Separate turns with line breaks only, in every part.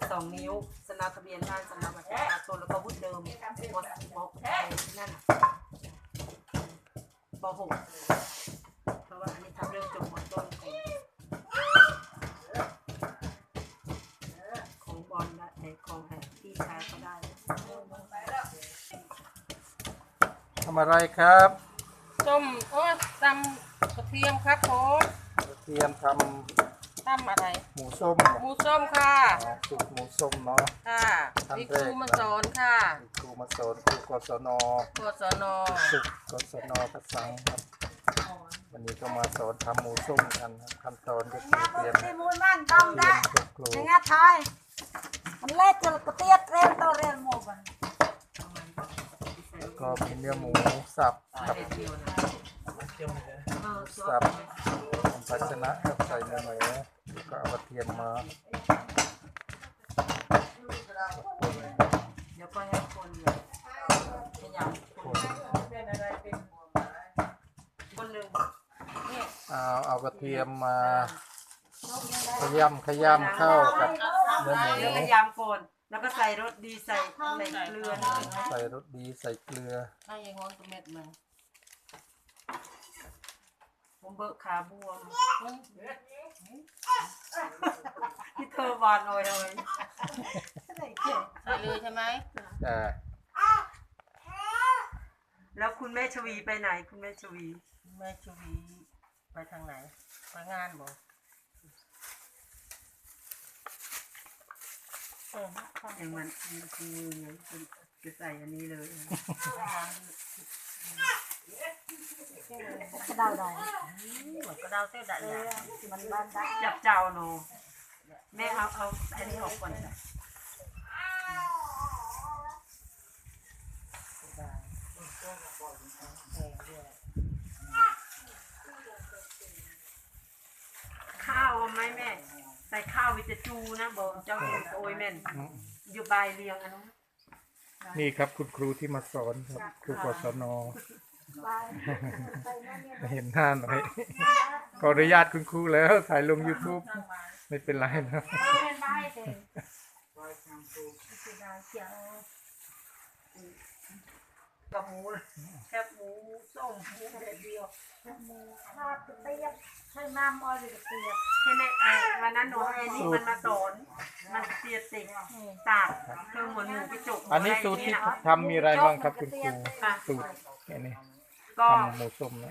2 นิ้วสำเนาทะเบียนบ้านสำเนาบัตรประชาชนแล้วก็วุฒิเดิมม.นั่นป.6เพราะว่าอันนี้ทำเรื่องจบม.ต้นของบอลและของพี่ชายก็ได้
ทำอะไรครับ
ส้มตำกระเทียมครับผม
กระเทียมท
ำอะไร
ำหมูส้ม
หมูส้มค่ะ
สูตรหมูส้มเนาะ
ค่ะมีครูมาสอนค่ะ
ครูมาสอนครูกศนสุขกศนกระสังครับวันนี้ก็มาสอนทำหมูส้มกันขั้นตอนก็คือเตรียม
มูลมันต้องได้ยังไงทายมันเล็กจนกระเทียมเรียนตัวเรียนหมดมัน
ก็มีเนื้อหมูสับกับสับภาชนะกับใส่เนื้อหมูแล้วก็เอากระเทียมมา
เดี๋ยวก็ให้คนขยำคนหนึ่ง
เอากระเทียมมาขยำเข้ากับเนื้อหมู
ขยำก่อนแล้วก็ใส่รสดีใส่เกลือ
ใส่รสดีใส่เกลือ
ให้ยังงอนตัวเม็ดมา
ผมเบิกขาบวมที่เธอวานลอยเลย
ใส่เลยใช่ไหม
แล้วคุณแม่ชวีไปไหนคุณแม่ชวี
ไปทางไหนไปงานบ่
อย่างมันคือจะใส่อันนี้เลย
กระดาวได้
กระดาวเส้นได้
มันบ้านได้
จับเจ้าโนแม่เอาอันนี้ออกก่อนจ้ะข้าวไหมแม่ใส่ข้าววิจจูนะบอกเจ้าเห็นโอ้ยแม่นอยู่ใบเรียงอันนั้น
นี่ครับคุณครูที่มาสอนครับครูกศนเห็นหน้าหน่อยขออนุญาตคุณครูแล้วถ่ายลง YouTube ไม่เป็นไรนะ
กับหมูแคบหมูส้มหมูเด็ดเดียว
หมูทอดกระเทียมใช้น้ำอ้อยหรือกระเทียม
ใช่ไหมวันนั้นหนูไอ้นี่มันมาสอนมันเสียติตากเครื่องเหมือนหมูไปจุก
อันนี้สูตรที่ทำมีอะไรบ้างครับคุณครูสูตรนี่
ก็
ทำหมูส้มนะ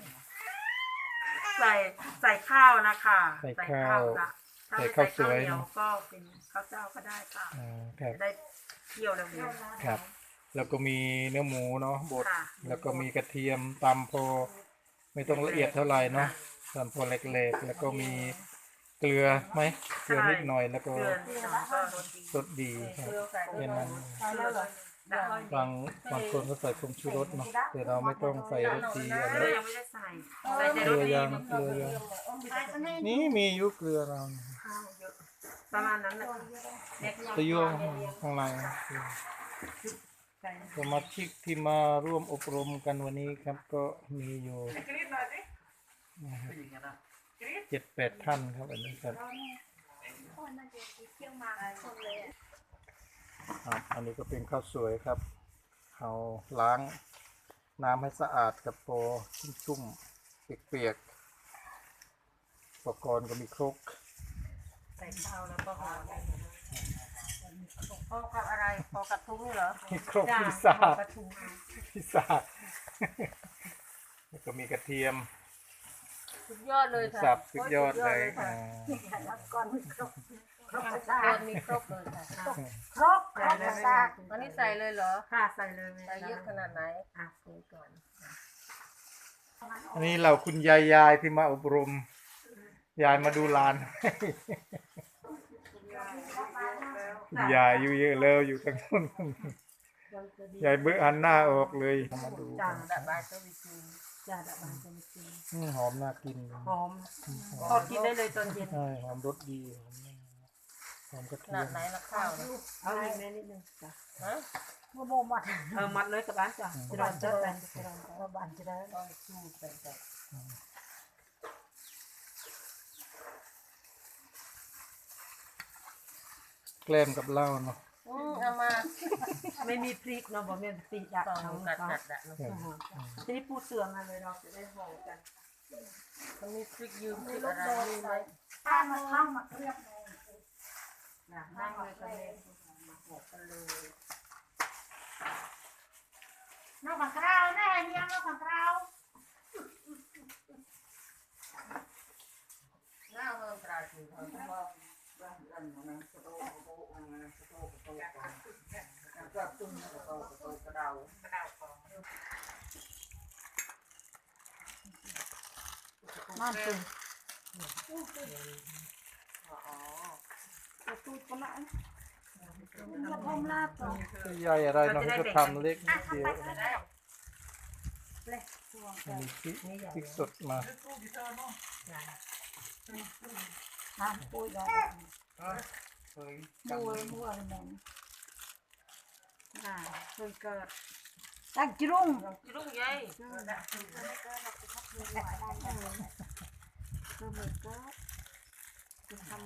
ใส่ข้าวนะคะ
ใส่ข้าวสวย
ก็เป็นข้าวเจ้าก็ได้ค่ะได้เคี่ยวเร็ว
ๆครับแล้วก็มีเนื้อหมูเนาะบดแล้วก็มีกระเทียมตำพอไม่ต้องละเอียดเท่าไหร่เนาะตำพอเล็กๆแล้วก็มีเกลือไหมเกลือนิดหน่อยแล้วก็รสดีครับเป็นนั้นบางคนก็ใส่ผงชูรสเนาะแต่เราไม่ต้องใส่รสดีอะไร
ยังไม่ได้ใส่
เกลือยังนี่มียุเกลือเรา
ประมาณนั้นแหละ
ตะยั่วข้างในสมาชิกที่มาร่วมอบรมกันวันนี้ครับก็มีอยู่7-8 ท่านครับอันนี้ครับอันนี้ก็เป็นข้าวสวยครับเอาล้างน้ำให้สะอาดกับโปชุ่มๆเปียกๆอุปกรณ์ก็มีครก
ใส่ข้าวแล้วก็ห่อ
พอกับอะไรพอกับทุ้งเหรอ
มีครกพิซซ่าแล้วก็มีกระเทียม
สุดยอดเลยค่ะ
สับสุดยอดเลย
ก่อนมีครบ
มีครบเลยค่ะ
ครบ
อันนี้ใส่เลยเหรอ
ค่ะใส่เลย
ใส่เยอะขนาดไหน
ใส่ก่อน
อันนี้เราคุณยายที่มาอบรมยายมาดูลานยายอยู่เยอะแล้วอยู่ทั้งนู้นยายเบื่อหันหน้าออกเลยมาดูหอมน่ากิน
หอมพอกินได้เลยตอนเย็น
ใช่หอมรสดีหอมกระเทียม
ไหนละข้าว
เอาอีกนิดนึงจ้ะ
โมมัด
มัดเลยกับบ้านจ้ะจะได้จะได้
บ้านจะได้
สู้ไป
แกล้มกับเหล้าเนาะ
เอามา
ไม่มีพริกเนาะบอกแม่พริกดัด
ตอง
เขา
กัด
เนาะ
กัดอะเนาะ
ทีนี้ปูเสือมาเลยเราจะได้ห่อกัน
มันมีพริกยืมพริกอะไรนี่ไหม
ข้าวมาข้าวมาเรียบเลย
นะนั่งเลยกันเลยมาห่อกันเลย
นอกจากเราแน่เนี่ยนอกจากเรา
หน้าเมืองตราดอยู่เขาบอก
นั่นสิ
อ๋อ
ตูดกันละมันจะพมลาบต่อ
ใหญ่อะไรเนาะเขาก็ทำเล็กนิดเดียว
เลยตัว
มีพริกสดมา
น้ำปุยได้มัวอะไรแม่ง
เพิ่งเกิด
ตักจุ่ง
อีลุงยัย
ก็เหมือนก็จะทำ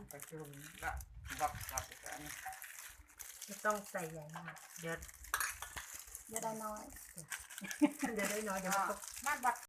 ไม่ต้องใส่ใหญ่มากเดี๋ยว
จะได้น้อย
เดี๋ยวได้น้อยเดี๋ยวมันก็
บ้านบัด